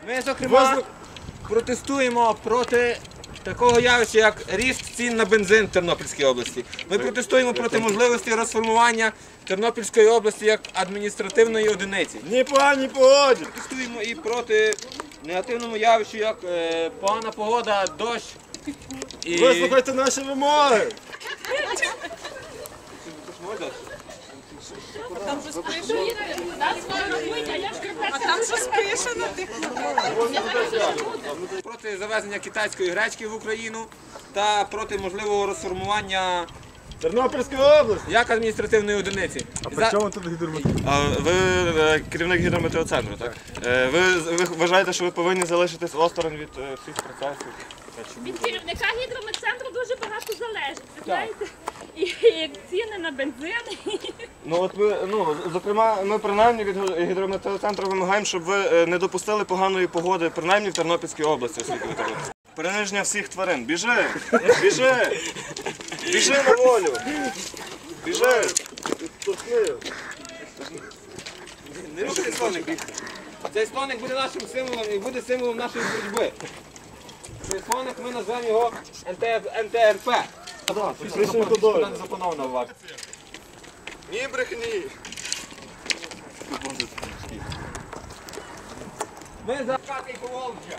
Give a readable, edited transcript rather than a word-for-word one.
Ми, зокрема, протестуємо проти такого явища, як ріст цін на бензин в Тернопільській області. Ми протестуємо проти можливості розформування Тернопільської області як адміністративної одиниці. Ні по, ні погоді. Протестуємо і проти негативному явищу, як погана погода, дощ. Вислухайте наші вимоги. А там щось пише на тих. Проти завезення китайської гречки в Україну та проти можливого розформування Тернопільської області. як адміністративної одиниці. При чому тут гідрометео? Ви керівник гідрометеоцентру, так? Ви вважаєте, що ви повинні залишитись осторонь від всіх процесів? Від керівника гідрометцентру дуже багато залежить, знаєте? І ціни на бензин. Ну от ви, зокрема, ми принаймні від гідрометеоцентру вимагаємо, щоб ви не допустили поганої погоди, принаймні в Тернопільській області, оскільки ви робите. Приниження всіх тварин. Біжи! Біжи! Біжи на волю! Біжи! Не рухайте слоник. Цей слоник буде нашим символом і буде символом нашої боротьби. Цей слоник ми назвемо його НТРП. Куди не заплановано в акції. Ні брехні! Ми за Карпати і Поволжя.